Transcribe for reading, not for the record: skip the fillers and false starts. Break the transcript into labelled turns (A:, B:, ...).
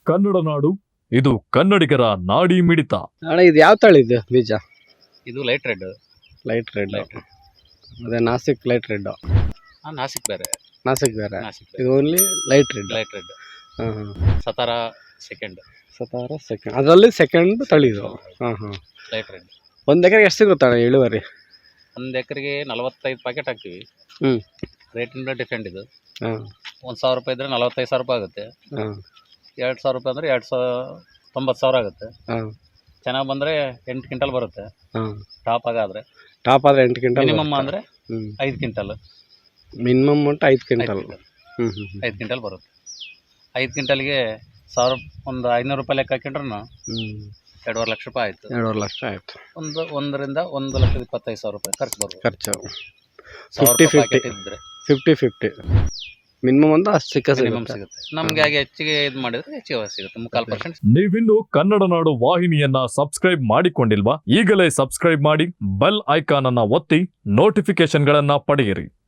A: ಕನ್ನಡ ನಾಡು, ಇದು ಕನ್ನಡಿಗರ ನಾಡಿ ಮಿಡಿತ.
B: ಅಣ್ಣ ಇದು ಯಾವ ತಳಿ ಇದು ಬೀಜ?
C: ಇದು light red.
B: Light red.
C: Light red.
B: ಅದೇ ನಾಸಿಕ್ ಲೈಟ್ ರೆಡ್.
C: ನಾಸಿಕ್ ಬೇರೆ.
B: ನಾಸಿಕ್ ಬೇರೆ.
C: ನಾಸಿಕ್
B: ಇದು only light red.
C: Light red.
B: ಹಾಂ
C: ಸತಾರ ಸೆಕೆಂಡ್.
B: ಸತಾರ ಸೆಕೆಂಡ್, ಅದರಲ್ಲಿ ಸೆಕೆಂಡ್ ತಳಿ ಇದು. ಹಾಂ ಹಾಂ.
C: Light red.
B: ಒಂದು ಎಕರೆಗೆ ಎಷ್ಟು ಸಿಗುತ್ತಣ್ಣ ಇಳುವರಿ?
C: ಒಂದು ಎಕರೆಗೆ 45 ಪ್ಯಾಕೆಟ್ ಹಾಕ್ತೀವಿ.
B: ಹ್ಞೂ.
C: ರೇಟಿಂದ ಡಿಫೆಂಡ್ ಇದು.
B: ಹಾಂ.
C: 1,000 ರೂಪಾಯಿ ಇದ್ರೆ 45,000 ರೂಪಾಯಿ ಆಗುತ್ತೆ.
B: ಹಾಂ.
C: 2,000 ರೂಪಾಯಿ ಅಂದರೆ 90,000 ಆಗುತ್ತೆ.
B: ಹಾಂ.
C: ಚೆನ್ನಾಗಿ ಬಂದರೆ 8 ಕ್ವಿಂಟಲ್ ಬರುತ್ತೆ.
B: ಹಾಂ.
C: ಟಾಪ್ ಆಗಾದರೆ.
B: ಟಾಪ್ ಆದರೆ 8 ಕ್ವಿಂಟಲ್.
C: ಮಿನಿಮಮ್ ಅಂದರೆ
B: ಹ್ಞೂ
C: 5 ಕ್ವಿಂಟಲ್.
B: ಮಿನಿಮಮ್ ಉಂಟು 5 ಕ್ವಿಂಟಲ್. ಹ್ಞೂ ಹ್ಞೂ
C: 5 ಕ್ವಿಂಟಲ್ ಬರುತ್ತೆ. 5 ಕ್ವಿಂಟಲ್ಗೆ 1,000 ಒಂದು 500 ರೂಪಾಯಿ ಲೆಕ್ಕ ಹಾಕೊಂಡ್ರು
B: ಹ್ಞೂ
C: 2.5 ಲಕ್ಷ ರೂಪಾಯಿ ಆಯಿತು.
B: 2.5 ಲಕ್ಷ ಆಯಿತು.
C: 1,25,000 ರೂಪಾಯಿ ಖರ್ಚು ಬರ್ಬೋದು.
B: ಖರ್ಚು
C: 50-50 ಇದ್ದರೆ
B: 50-50 ಮಿನಿಮಮ್ ಅಂತ ಅಷ್ಟು
C: ಮಿನಿಮಮ್ ಸಿಗುತ್ತೆ. ನಮಗೆ ಹಾಗೆ ಹೆಚ್ಚಿಗೆ ಇದು ಮಾಡಿದ್ರೆ ಹೆಚ್ಚಿಗೆ ಸಿಗುತ್ತೆ. 3/4%.
A: ನೀವಿನ್ನು ಕನ್ನಡ ನಾಡು ವಾಹಿನಿಯನ್ನ ಸಬ್ಸ್ಕ್ರೈಬ್ ಮಾಡಿಕೊಂಡಿಲ್ವಾ? ಈಗಲೇ ಸಬ್ಸ್ಕ್ರೈಬ್ ಮಾಡಿ, ಬೆಲ್ ಐಕಾನ್ ಅನ್ನ ಒತ್ತಿ ನೋಟಿಫಿಕೇಶನ್ ಗಳನ್ನ ಪಡೆಯಿರಿ.